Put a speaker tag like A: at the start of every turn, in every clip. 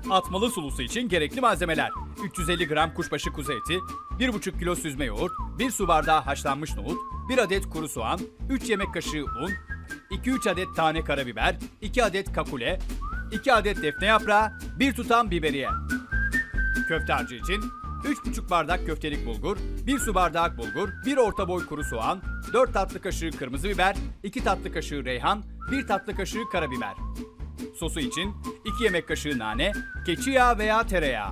A: Atmalı sulusu için gerekli malzemeler: 350 gram kuşbaşı kuzu eti, 1,5 kilo süzme yoğurt, 1 su bardağı haşlanmış nohut, 1 adet kuru soğan, 3 yemek kaşığı un, 2-3 adet tane karabiber, 2 adet kakule, 2 adet defne yaprağı, 1 tutam biberiye. Köfte harcı için 3,5 bardak köftelik bulgur, 1 su bardağı bulgur, 1 orta boy kuru soğan, 4 tatlı kaşığı kırmızı biber, 2 tatlı kaşığı reyhan, 1 tatlı kaşığı karabiber. Sosu için 2 yemek kaşığı nane, keçi yağı veya tereyağı.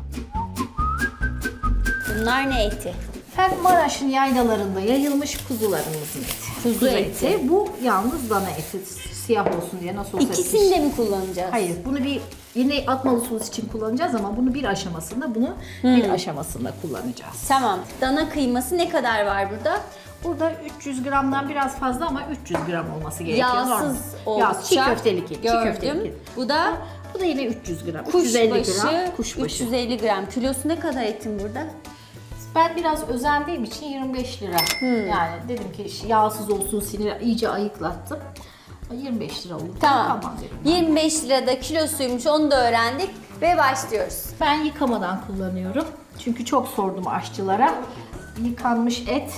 B: Bunlar ne eti?
C: Efendim Maraş'ın yaylalarında yayılmış kuzularımızın eti.
B: Kuzu eti.
C: Bu yalnız dana eti. Siyah olsun diye nasıl olsa
B: İkisini de mi kullanacağız?
C: Hayır, bunu yine atmalı sos için kullanacağız ama bunu bir aşamasında, bunu bir aşamasında kullanacağız.
B: Tamam. Dana kıyması ne kadar var burada?
C: Burada 300 gramdan biraz fazla ama 300 gram olması gerekiyor.
B: Yağsız
C: Normal. Yağsız, çiğ
B: olacak.
C: köftelik et. Çiğ
B: Gördüm.
C: köftelik et.
B: Bu da
C: Bu da yine 300 gram. 350 gram
B: kuşbaşı,
C: kuşbaşı.
B: 350 gram. Kilosu ne kadar etin burada?
C: Ben biraz özendiğim için 25 lira. Yani dedim ki yağsız olsun, sinir iyice ayıklattım. 25 lira olur.
B: Tamam.
C: Dedim.
B: 25 lirada kilosuymuş, onu da öğrendik ve başlıyoruz.
C: Ben yıkamadan kullanıyorum. Çünkü çok sordum aşçılara. Yıkanmış et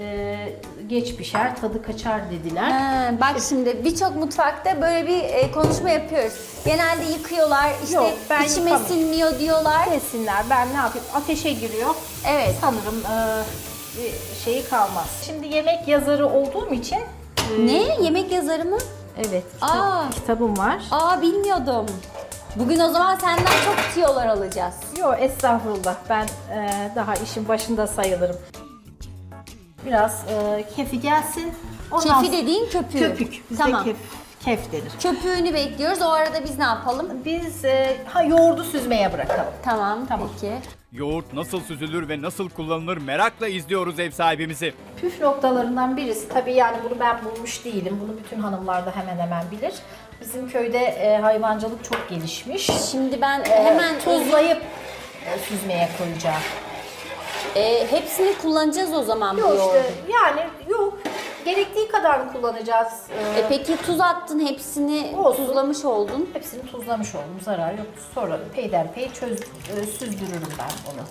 C: geç pişer, tadı kaçar dediler.
B: Bak şimdi birçok mutfakta böyle bir konuşma yapıyoruz. Genelde yıkıyorlar, işte
C: Yok, ben
B: içime
C: yıkamam.
B: sinmiyor diyorlar.
C: Desinler, ben ne yapayım? Ateşe giriyor.
B: Evet.
C: Sanırım bir şeyi kalmaz. Şimdi yemek yazarı olduğum için
B: Ne? Yemek yazarı mı?
C: evet,
B: Aa.
C: kitabım var.
B: Aa, bilmiyordum. Bugün o zaman senden çok tiyolar alacağız.
C: Yok estağfurullah, ben daha işin başında sayılırım. Biraz kefi gelsin. Ondan
B: Kefi dediğin köpüğü.
C: köpük. Bizde
B: Tamam.
C: kef denir.
B: Köpüğünü bekliyoruz. O arada biz ne yapalım?
C: Biz yoğurdu süzmeye bırakalım.
B: Tamam,
C: Tamam.
B: peki.
A: Yoğurt nasıl süzülür ve nasıl kullanılır merakla izliyoruz ev sahibimizi.
C: Püf noktalarından birisi, tabii yani bunu ben bulmuş değilim. Bunu bütün hanımlar da hemen hemen bilir. Bizim köyde hayvancılık çok gelişmiş.
B: Şimdi ben hemen
C: Tuzlayıp süzmeye koyacağım.
B: hepsini kullanacağız o zaman bu
C: Yok
B: yoğurdu.
C: işte yani yok. Gerektiği kadar kullanacağız.
B: Peki tuz attın, hepsini
C: Olsun.
B: tuzlamış oldun.
C: Hepsini tuzlamış oldum. Zarar yok. Sonra peyderpey süzdürürüm ben onu.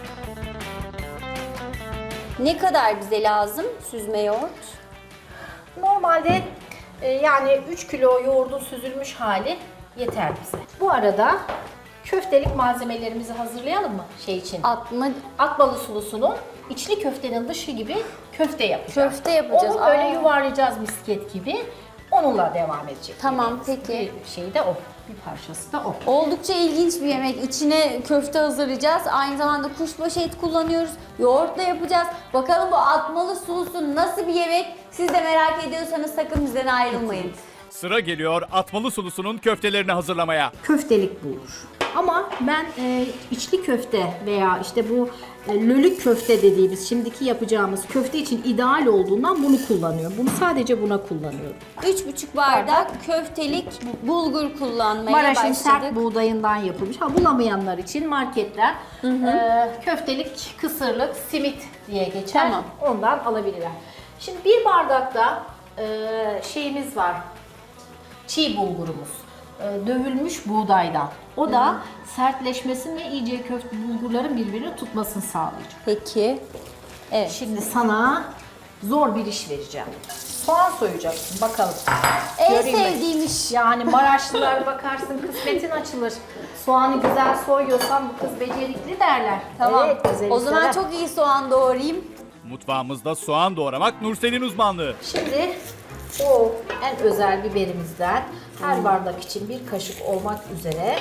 B: Ne kadar bize lazım süzme yoğurt?
C: Normalde yani 3 kilo yoğurdun süzülmüş hali yeter bize. Bu arada köftelik malzemelerimizi hazırlayalım mı şey için? Atmalı sulusunun içli köftenin dışı gibi köfte yapacağız.
B: Köfte yapacağız.
C: Onu böyle
B: Aa.
C: yuvarlayacağız misket gibi. Onunla devam edecek.
B: Tamam,
C: yemeğimiz.
B: peki.
C: Bir şey de o. Bir parçası da o.
B: Oldukça ilginç bir yemek. İçine köfte hazırlayacağız. Aynı zamanda kuşbaşı et kullanıyoruz. Yoğurtla yapacağız. Bakalım bu atmalı sulusu nasıl bir yemek? Siz de merak ediyorsanız sakın bizden ayrılmayın.
A: Sıra geliyor atmalı sulusunun köftelerini hazırlamaya.
C: Köftelik bulgur. Ama ben içli köfte veya işte bu lölük köfte dediğimiz şimdiki yapacağımız köfte için ideal olduğundan bunu kullanıyorum. Bunu sadece buna kullanıyorum.
B: 3,5 bardak köftelik bulgur kullanmaya
C: Maraş'ın
B: başladık.
C: sert buğdayından yapılmış. Bulamayanlar için marketler köftelik, kısırlık, simit diye geçer.
B: Tamam.
C: Ondan alabilirler. Şimdi bir bardakta şeyimiz var. Çiğ bulgurumuz. Dövülmüş buğdaydan. O da sertleşmesini ve iyice köfte bulgurların birbirini tutmasını sağlayacak.
B: Peki. Evet.
C: Şimdi sana zor bir iş vereceğim. Soğan soyacaksın bakalım.
B: En
C: Göreyim mi?
B: sevdiğim iş.
C: Yani Maraşlılar bakarsın kısmetin açılır. Soğanı güzel soyuyorsan bu kız becerikli derler.
B: Tamam.
C: Evet, güzel
B: O zaman
C: işler.
B: çok iyi soğan doğrayayım.
A: Mutfağımızda soğan doğramak Nursel'in uzmanlığı.
C: Şimdi o en özel biberimizden her bardak için bir kaşık olmak üzere.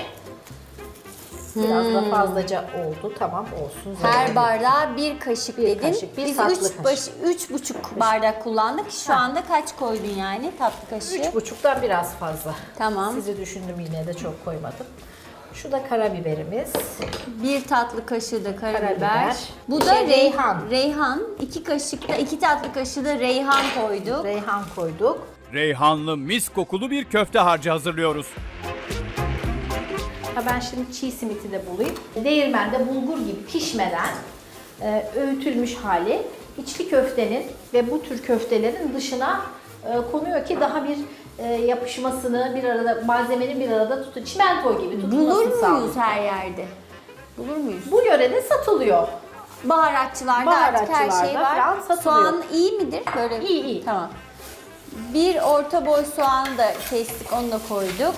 C: Biraz da fazlaca oldu. Tamam olsun.
B: Her
C: Zararı yok.
B: bardağa bir kaşık dedin.
C: kaşık, bir
B: Biz
C: tatlı
B: 3,5 bardak kullandık. Şu anda kaç koydun yani tatlı kaşığı?
C: 3,5'tan biraz fazla.
B: Tamam.
C: Sizi düşündüm, yine de çok koymadım. Şu da karabiberimiz.
B: Bir tatlı kaşığı da karabiber.
C: Karabiber.
B: Bu da
C: Reyhan.
B: Reyhan. 2 tatlı kaşığı da reyhan koyduk.
C: Reyhan koyduk.
A: Reyhanlı mis kokulu bir köfte harcı hazırlıyoruz.
C: Ha ben şimdi çiğ simiti de bulayım. Değirmende bulgur gibi pişmeden öğütülmüş hali içli köftenin ve bu tür köftelerin dışına konuyor ki daha bir yapışmasını bir arada, malzemenin bir arada çimento gibi tutulmasını
B: Bulur muyuz
C: sağlıyor.
B: her yerde? Bulur muyuz?
C: Bu yörede satılıyor.
B: Baharatçılarda artık her şey
C: Baharatçılarda falan
B: var.
C: satılıyor.
B: Soğan iyi midir? Böyle.
C: İyi, iyi.
B: Tamam. Bir orta boy soğan da kestik, onu da koyduk.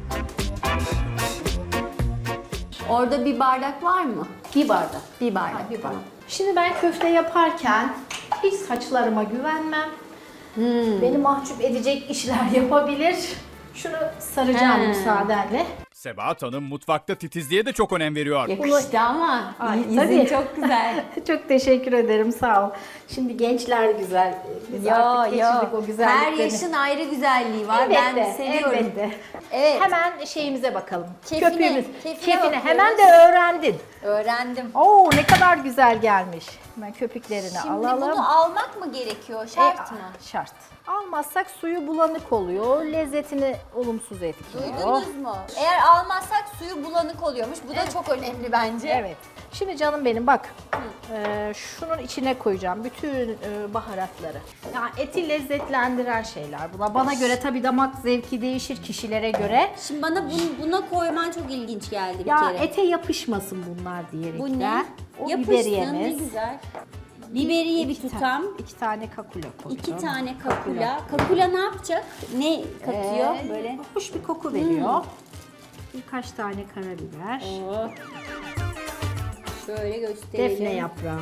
B: Orada bir bardak var mı?
C: Bir bardak.
B: Bir bardak.
C: Bir bardak.
B: Tamam.
C: Şimdi ben köfte yaparken hiç saçlarıma güvenmem. Beni mahcup edecek işler yapabilir. Şunu saracağım müsaadenle.
A: Sebahat Hanım mutfakta titizliğe de çok önem veriyor.
B: Yakıştı ama
C: Ay,
B: izin
C: tabii.
B: çok güzel.
C: Çok teşekkür ederim, sağ ol. Şimdi gençler güzel. Biz artık geçirdik o
B: Her
C: güzelliklerini.
B: yaşın ayrı güzelliği var.
C: Elbette,
B: Ben seviyorum.
C: elbette.
B: Evet.
C: Hemen şeyimize bakalım.
B: Kefine,
C: Köpüğümüz.
B: kefine
C: Kefine.
B: bakıyoruz.
C: Hemen de öğrendin.
B: Öğrendim.
C: Oo, ne kadar güzel gelmiş. Hemen köpüklerini
B: Şimdi
C: alalım.
B: bunu almak mı gerekiyor? Şart mı?
C: Şart. Almazsak suyu bulanık oluyor, lezzetini olumsuz etkiliyor.
B: Duydunuz mu? Eğer almazsak suyu bulanık oluyormuş. Bu da çok önemli bence.
C: Evet. Şimdi canım benim bak, şunun içine koyacağım bütün baharatları. Yani eti lezzetlendiren şeyler bunlar. Bana göre tabii damak zevki değişir kişilere göre.
B: Şimdi bana buna koyman çok ilginç geldi bir
C: Ya
B: kere.
C: ete yapışmasın bunlar diyerekten.
B: Bu ne?
C: O
B: Yapışsın, ne
C: biberiyemiz.
B: güzel. Biberiye bir tutam.
C: 2 tane kakula koydum.
B: 2 tane kakula. Kakula ne yapacak? Ne katıyor böyle?
C: Hoş bir koku veriyor. Birkaç tane karabiber.
B: Oo. Şöyle gösterelim.
C: Defne yaprağı.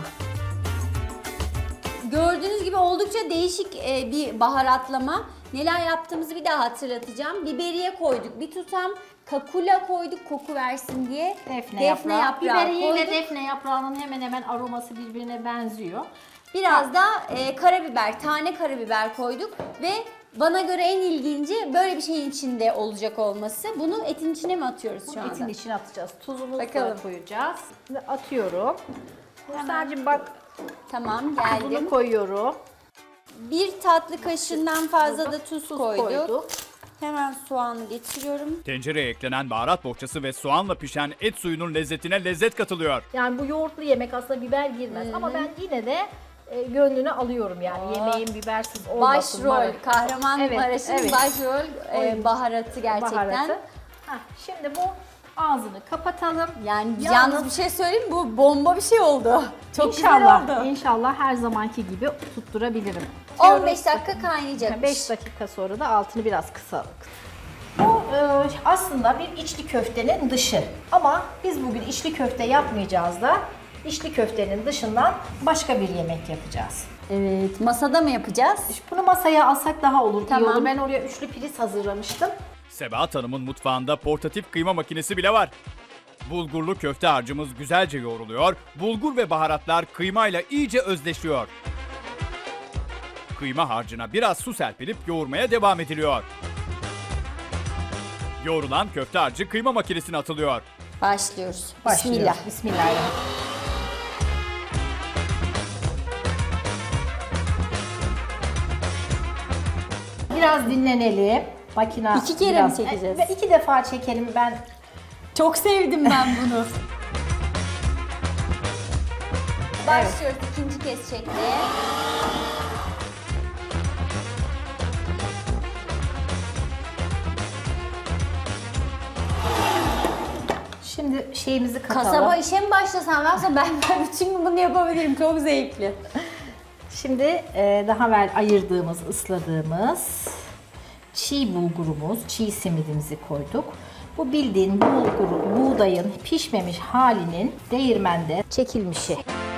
B: Gördüğünüz gibi oldukça değişik bir baharatlama. Neler yaptığımızı bir daha hatırlatacağım. Biberiye koyduk. Bir tutam kakula koyduk koku versin diye.
C: Defne yaprağı. Biberiye ile
B: koyduk.
C: defne yaprağının hemen hemen aroması birbirine benziyor.
B: Biraz da karabiber, tane karabiber koyduk ve bana göre en ilginci böyle bir şeyin içinde olacak olması. Bunu etin içine mi atıyoruz şu anda?
C: Etin içine atacağız. Tuzumuzu
B: Bakalım.
C: da koyacağız. Ve atıyorum. Nursel'cim bak,
B: Tamam,
C: bunu
B: geldim.
C: koyuyorum.
B: Bir tatlı kaşığından fazla da tuz koyduk.
C: Koyduk.
B: Hemen soğanı geçiriyorum.
A: Tencereye eklenen baharat bohçası ve soğanla pişen et suyunun lezzetine lezzet katılıyor.
C: Yani bu yoğurtlu yemek aslında biber girmez ama ben yine de gönlünü alıyorum yani yemeğin bibersiz olmasın.
B: Başrol, Kahramanmaraş'ın
C: Evet, evet.
B: başrol baharatı gerçekten.
C: Baharatı. Heh, şimdi bu ağzını kapatalım.
B: Yani yalnız bir şey söyleyeyim mi? Bu bomba bir şey oldu. Çok
C: İnşallah,
B: güzel oldu.
C: İnşallah her zamanki gibi tutturabilirim.
B: 15 dakika kaynayacak.
C: 5 dakika sonra da altını biraz kısalım. Bu aslında bir içli köftenin dışı. Ama biz bugün içli köfte yapmayacağız da içli köftenin dışından başka bir yemek yapacağız.
B: Evet, masada mı yapacağız?
C: Bunu masaya alsak daha olur, iyi
B: Tamam.
C: olur. Ben oraya üçlü priz hazırlamıştım.
A: Sebahat Hanım'ın mutfağında portatif kıyma makinesi bile var. Bulgurlu köfte harcımız güzelce yoğruluyor, bulgur ve baharatlar kıymayla iyice özleşiyor. Kıyma harcına biraz su serpilip yoğurmaya devam ediliyor. Yoğrulan köfte harcı kıyma makinesine atılıyor.
B: Başlıyoruz.
C: Başlıyoruz.
B: Bismillah.
C: Bismillahirrahmanirrahim. Biraz dinlenelim. Makine
B: 2 kere mi çekeceğiz?
C: 2 defa çekelim ben.
B: Çok sevdim ben bunu. Başlıyoruz ikinci kez çekmeye.
C: Şimdi şeyimizi katalım.
B: Kasaba işe mi başlasam ben bütün gün bunu yapabilirim. Çok zevkli.
C: Şimdi daha evvel ayırdığımız, ısladığımız çiğ bulgurumuz, çiğ simidimizi koyduk. Bu bildiğin buğdayın pişmemiş halinin değirmende çekilmişi.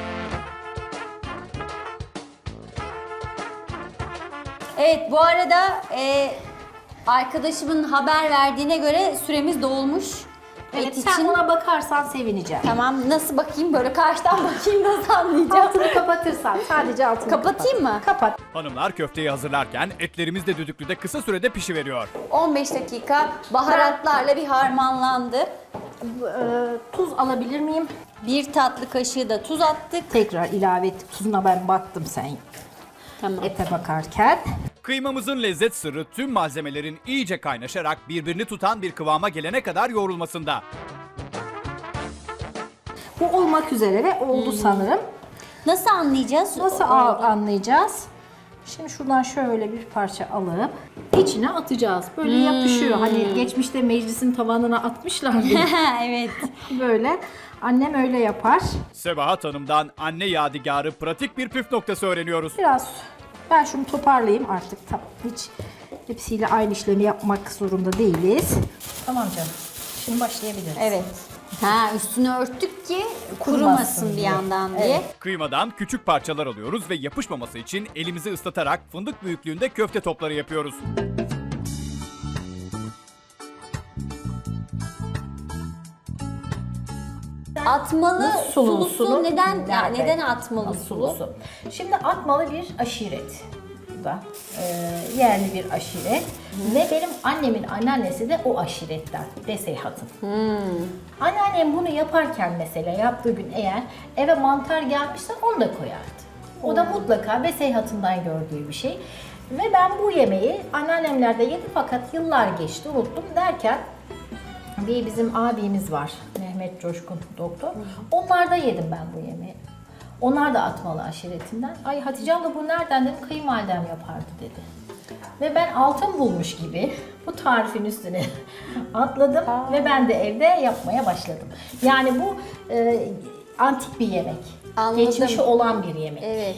B: Evet, bu arada arkadaşımın haber verdiğine göre süremiz dolmuş.
C: Evet,
B: Et
C: sen
B: için.
C: ona bakarsan sevineceğim.
B: Tamam, nasıl bakayım? Böyle karşıdan bakayım, nasıl anlayacağım?
C: Altını kapatırsan, sadece altını
B: Kapatayım mı?
C: Kapat.
A: Hanımlar köfteyi hazırlarken etlerimiz de düdüklüde kısa sürede pişiveriyor.
B: 15 dakika baharatlarla bir harmanlandı.
C: Tuz alabilir miyim?
B: Bir tatlı kaşığı da tuz attık.
C: Tekrar ilave ettik. Tuzuna ben baktım sen
B: Tamam.
C: ete bakarken.
A: Kıymamızın lezzet sırrı tüm malzemelerin iyice kaynaşarak birbirini tutan bir kıvama gelene kadar yoğrulmasında.
C: Bu olmak üzere ve oldu sanırım.
B: Nasıl anlayacağız?
C: Nasıl anlayacağız? Şimdi şuradan şöyle bir parça alıp içine atacağız. Böyle yapışıyor. Hani geçmişte meclisin tavanına atmışlardı.
B: Evet.
C: Böyle. Annem öyle yapar.
A: Sebahat Hanım'dan anne yadigarı pratik bir püf noktası öğreniyoruz.
C: Biraz ben şunu toparlayayım artık. Tamam. Hiç hepsiyle aynı işlemi yapmak zorunda değiliz. Tamam canım. Şimdi başlayabiliriz.
B: Evet. Ha, üstünü örttük ki
C: Kurumasın
B: kurumasın bir
C: diye.
B: yandan diye.
C: Evet.
A: Kıymadan küçük parçalar alıyoruz ve yapışmaması için elimizi ıslatarak fındık büyüklüğünde köfte topları yapıyoruz.
B: Atmalı
C: Sulusunun
B: sulusu neden
C: nerede?
B: neden atmalı sulu?
C: Şimdi atmalı bir aşiret. Bu da yerli bir aşiret. Ve benim annemin anneannesi de o aşiretten. Beseyhat'ın. Anneannem bunu yaparken mesela yaptığı gün eğer eve mantar gelmişse onu da koyardı. O da mutlaka Beseyhat'ından gördüğü bir şey. Ve ben bu yemeği anneannemlerde yedim fakat yıllar geçti unuttum derken bir bizim abimiz var, Mehmet Coşkun doktor. Onlarda yedim ben bu yemeği. Onlar da atmalı aşiretinden. Ay Hatice abla bu nereden dedim, kayınvalidem yapardı dedi. Ve ben altın bulmuş gibi bu tarifin üstüne atladım ve ben de evde yapmaya başladım. Yani bu antik bir yemek.
B: Anladım.
C: Geçmişi olan bir yemek.
B: Evet.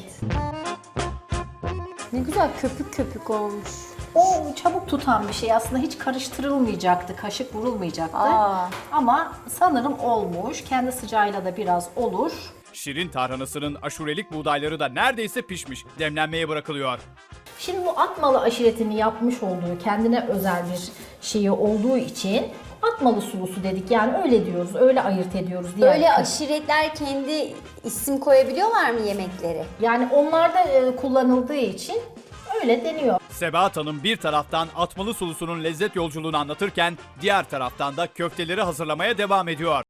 B: Ne güzel köpük köpük olmuş.
C: O çabuk tutan bir şey aslında, hiç karıştırılmayacaktı, kaşık vurulmayacaktı.
B: Aa.
C: Ama sanırım olmuş. Kendi sıcağıyla da biraz olur.
A: Şirin tarhanasının aşurelik buğdayları da neredeyse pişmiş. Demlenmeye bırakılıyor.
C: Şimdi bu atmalı aşiretini yapmış olduğu, kendine özel bir şeyi olduğu için atmalı sulusu dedik. Yani öyle diyoruz, öyle ayırt ediyoruz. Diğer
B: Böyle aşiretler kendi isim koyabiliyorlar mı yemekleri?
C: Yani onlarda kullanıldığı için öyle deniyor.
A: Sebahat Hanım bir taraftan atmalı sulusunun lezzet yolculuğunu anlatırken diğer taraftan da köfteleri hazırlamaya devam ediyor.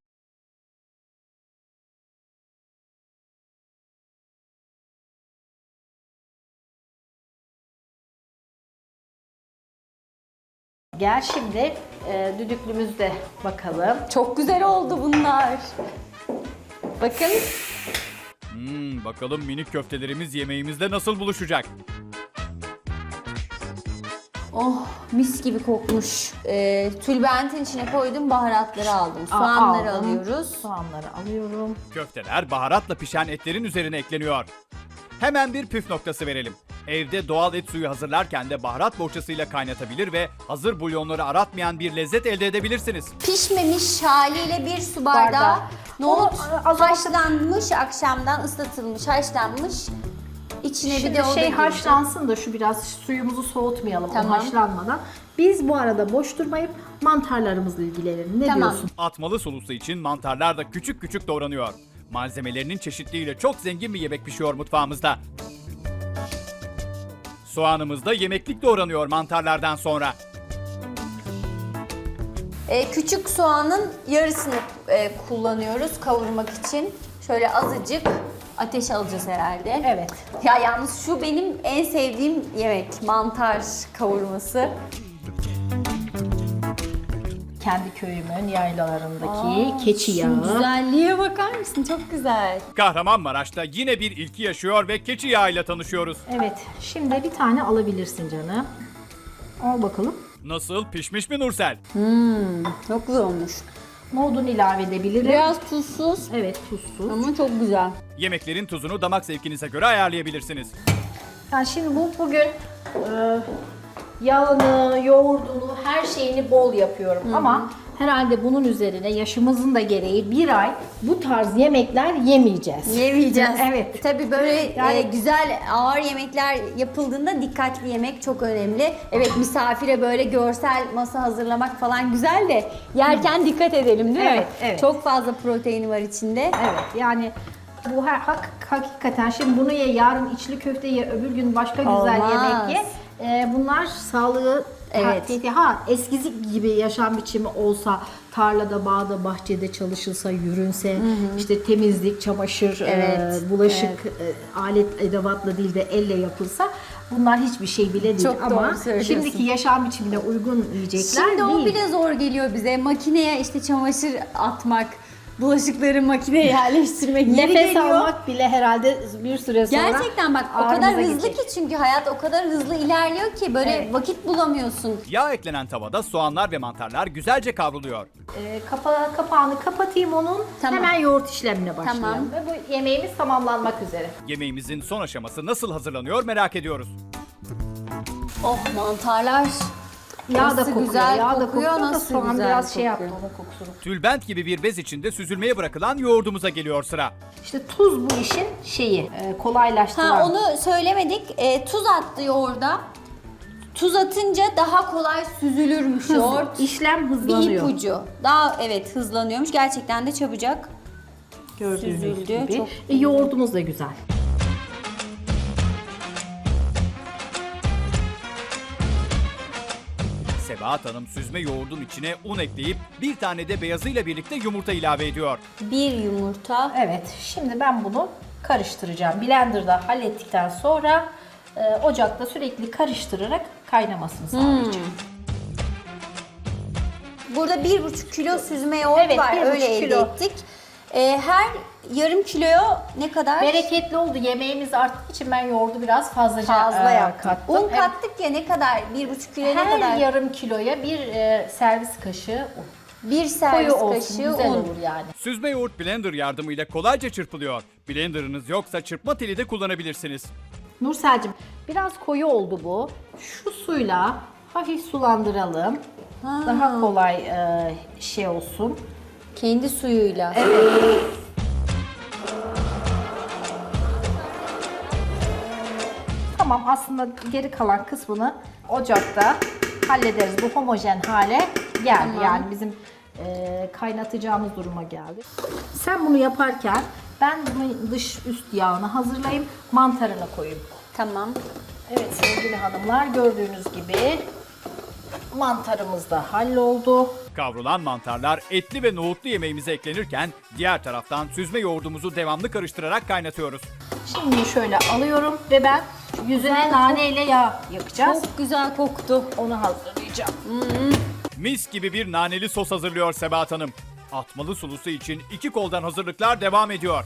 C: Gel şimdi düdüklümüzde bakalım.
B: Çok güzel oldu bunlar. Bakın.
A: Bakalım minik köftelerimiz yemeğimizde nasıl buluşacak?
B: Oh, mis gibi kokmuş. Tülbentin içine koydum, baharatları aldım. Soğanları
C: Aldım.
B: alıyoruz.
C: Soğanları alıyorum.
A: Köfteler baharatla pişen etlerin üzerine ekleniyor. Hemen bir püf noktası verelim. Evde doğal et suyu hazırlarken de baharat bohçasıyla kaynatabilir ve hazır bulyonları aratmayan bir lezzet elde edebilirsiniz.
B: Pişmemiş haliyle bir su bardağı
C: Bardağı.
B: nohut
C: Onu
B: haşlanmış, akşamdan ıslatılmış, haşlanmış. İçine
C: Şimdi
B: bir de o da
C: şey
B: girecek.
C: haşlansın da şu biraz suyumuzu soğutmayalım o
B: Tamam.
C: haşlanmadan. Biz bu arada boş durmayıp mantarlarımızla ilgilenelim. Ne
B: Tamam.
C: diyorsun?
A: Atmalı sulusu için mantarlar da küçük küçük doğranıyor. Malzemelerinin çeşitliliğiyle çok zengin bir yemek pişiyor mutfağımızda. Soğanımız da yemeklik doğranıyor mantarlardan sonra.
B: Küçük soğanın yarısını kullanıyoruz kavurmak için. Şöyle azıcık ateş alacağız herhalde.
C: Evet.
B: Ya yalnız şu benim en sevdiğim yemek, mantar kavurması.
C: Kendi köyümün yaylalarındaki keçi yağı.
B: Şu güzelliğe bakar mısın? Çok güzel.
A: Kahramanmaraş'ta yine bir ilki yaşıyor ve keçi yağıyla tanışıyoruz.
C: Evet. Şimdi bir tane alabilirsin canım. Al bakalım.
A: Nasıl, pişmiş mi Nursel?
B: Çok güzel olmuş.
C: Nohudunu ilave edebilirim.
B: Biraz tuzsuz
C: Evet, tuzsuz.
B: ama çok güzel.
A: Yemeklerin tuzunu damak zevkinize göre ayarlayabilirsiniz.
C: Yani şimdi bugün yağını, yoğurdunu, her şeyini bol yapıyorum. Ama herhalde bunun üzerine yaşımızın da gereği bir ay bu tarz yemekler yemeyeceğiz.
B: Yemeyeceğiz.
C: Evet.
B: Tabii böyle
C: Yani-
B: güzel ağır yemekler yapıldığında dikkatli yemek çok önemli. Evet, misafire böyle görsel masa hazırlamak falan güzel de yerken dikkat edelim değil mi?
C: Evet, evet.
B: Çok fazla proteini var içinde.
C: Evet, yani bu hakikaten şimdi bunu ye, yarın içli köfte ye, öbür gün başka güzel
B: Olmaz.
C: yemek ye. Bunlar sağlığı
B: Evet.
C: eskisi gibi yaşam biçimi olsa, tarlada, bağda, bahçede çalışılsa, yürünse, işte temizlik, çamaşır,
B: Evet,
C: bulaşık alet edevatla değil de elle yapılsa bunlar hiçbir şey bile değil.
B: Çok doğru
C: ama
B: söylüyorsun.
C: şimdiki yaşam biçimine uygun yiyecekler
B: Şimdi o
C: değil.
B: bile zor geliyor bize. Makineye işte çamaşır atmak, bulaşıkları makineye yerleştirmek yeri
C: Nefes
B: geliyor.
C: almak bile herhalde bir süre sonra
B: Gerçekten bak o kadar
C: ağrımıza
B: hızlı
C: gidecek.
B: ki çünkü hayat o kadar hızlı ilerliyor ki böyle
C: Evet.
B: vakit bulamıyorsun.
A: Yağ eklenen tavada soğanlar ve mantarlar güzelce kavruluyor.
C: Kapağını kapatayım onun.
B: Tamam.
C: Hemen yoğurt işlemine başlayalım.
B: Tamam.
C: Ve bu yemeğimiz tamamlanmak üzere.
A: Yemeğimizin son aşaması nasıl hazırlanıyor merak ediyoruz.
B: Oh mantarlar.
C: Yağ da
B: Nasıl
C: kokuyor.
B: güzel
C: Yağ da
B: kokuyor,
C: kokuyor da
B: nasıl
C: soğan
B: güzel
C: biraz şey yaptı
B: kokuyor.
C: onun kokusunu.
A: Tülbent gibi bir bez içinde süzülmeye bırakılan yoğurdumuza geliyor sıra.
C: İşte tuz bu işin şeyi, kolaylaştıran.
B: Ha onu söylemedik. Tuz attı yoğurda. Tuz atınca daha kolay süzülürmüş yoğurt.
C: İşlem
B: Bir
C: hızlanıyor.
B: ipucu. Daha evet hızlanıyormuş. Gerçekten de çabucak.
C: Gördüğünüz
B: Süzüldü,
C: gibi.
B: çok
C: Yoğurdumuz da güzel.
A: Sebahat Hanım süzme yoğurdun içine un ekleyip bir tane de beyazıyla birlikte yumurta ilave ediyor.
B: Bir yumurta.
C: Evet, şimdi ben bunu karıştıracağım. Blender'da hallettikten sonra ocakta sürekli karıştırarak kaynamasını sağlayacağım.
B: Burada 1,5 kilo süzme yoğurt
C: Evet,
B: var.
C: 1,5
B: Öyle elde
C: kilo.
B: ettik. Her yarım kiloya ne kadar?
C: Bereketli oldu. Yemeğimiz arttığı için ben yoğurdu biraz fazlaca
B: Fazla yaptık.
C: kattım.
B: Un
C: Evet.
B: kattık ya ne kadar? 1,5 kiloya ne
C: Her
B: kadar?
C: yarım kiloya bir servis kaşığı un.
B: Bir servis
C: Koyu olsun,
B: kaşığı
C: güzel
B: un.
C: olur yani.
A: Süzme yoğurt blender yardımıyla kolayca çırpılıyor. Blenderınız yoksa çırpma teli de kullanabilirsiniz.
C: Nursel'cim biraz koyu oldu bu. Şu suyla hafif sulandıralım. Daha kolay şey olsun.
B: Kendi suyuyla.
C: Tamam, aslında geri kalan kısmını ocakta hallederiz. Bu homojen hale geldi.
B: Tamam.
C: Yani bizim kaynatacağımız duruma geldi. Sen bunu yaparken ben bunun dış üst yağını hazırlayayım. Mantarını koyayım.
B: Tamam.
C: Evet sevgili hanımlar, gördüğünüz gibi mantarımız da halloldu.
A: Kavrulan mantarlar etli ve nohutlu yemeğimize eklenirken diğer taraftan süzme yoğurdumuzu devamlı karıştırarak kaynatıyoruz.
C: Şimdi şöyle alıyorum ve ben yüzüne nane ile yağ yakacağız.
B: Çok güzel koktu.
C: Onu hazırlayacağım.
A: Mis gibi bir naneli sos hazırlıyor Sebahat Hanım. Atmalı sulusu için 2 koldan hazırlıklar devam ediyor.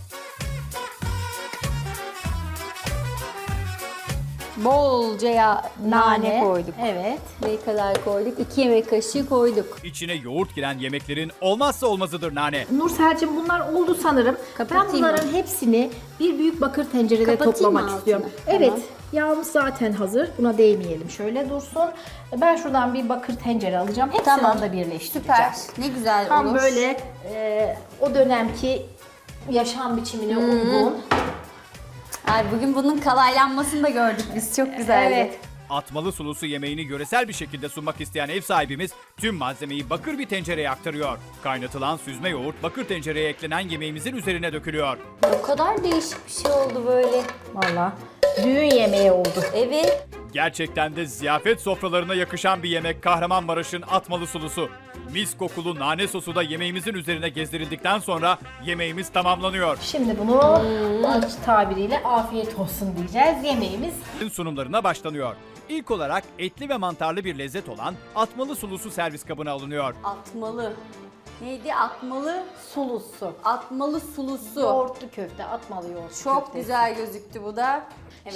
B: Bolca nane koyduk.
C: Evet.
B: Ne kadar koyduk? 2 yemek kaşığı koyduk.
A: İçine yoğurt giren yemeklerin olmazsa olmazıdır nane.
C: Nursel'cim bunlar oldu sanırım.
B: Kapatayım
C: Ben bunların
B: mı?
C: hepsini bir büyük bakır tencerede
B: Kapatayım
C: toplamak
B: mı
C: istiyorum.
B: altını?
C: Evet.
B: Tamam.
C: Yağımız zaten hazır. Buna değmeyelim. Şöyle dursun. Ben şuradan bir bakır tencere alacağım. Hepsini
B: Tamam.
C: da birleştireceğim.
B: Süper. Ne güzel
C: Tam
B: olur.
C: böyle o dönemki yaşam biçimine uygun.
B: Ay, bugün bunun kalaylanmasını da gördük biz. Çok güzeldi.
C: Evet.
A: Atmalı sulusu yemeğini göresel bir şekilde sunmak isteyen ev sahibimiz tüm malzemeyi bakır bir tencereye aktarıyor. Kaynatılan süzme yoğurt bakır tencereye eklenen yemeğimizin üzerine dökülüyor.
B: O kadar değişik bir şey oldu böyle.
C: Valla düğün yemeği oldu.
A: Evet. Gerçekten de ziyafet sofralarına yakışan bir yemek Kahramanmaraş'ın atmalı sulusu. Mis kokulu nane sosu da yemeğimizin üzerine gezdirildikten sonra yemeğimiz tamamlanıyor.
C: Şimdi bunu aç tabiriyle afiyet olsun diyeceğiz. Yemeğimiz
A: Sunumlarına başlanıyor. İlk olarak etli ve mantarlı bir lezzet olan atmalı sulusu servis kabına alınıyor.
B: Atmalı. Neydi? Atmalı.
C: sulusu.
B: Atmalı sulusu.
C: Yoğurtlu köfte, atmalı yoğurt
B: Çok
C: köftesi.
B: güzel gözüktü bu da.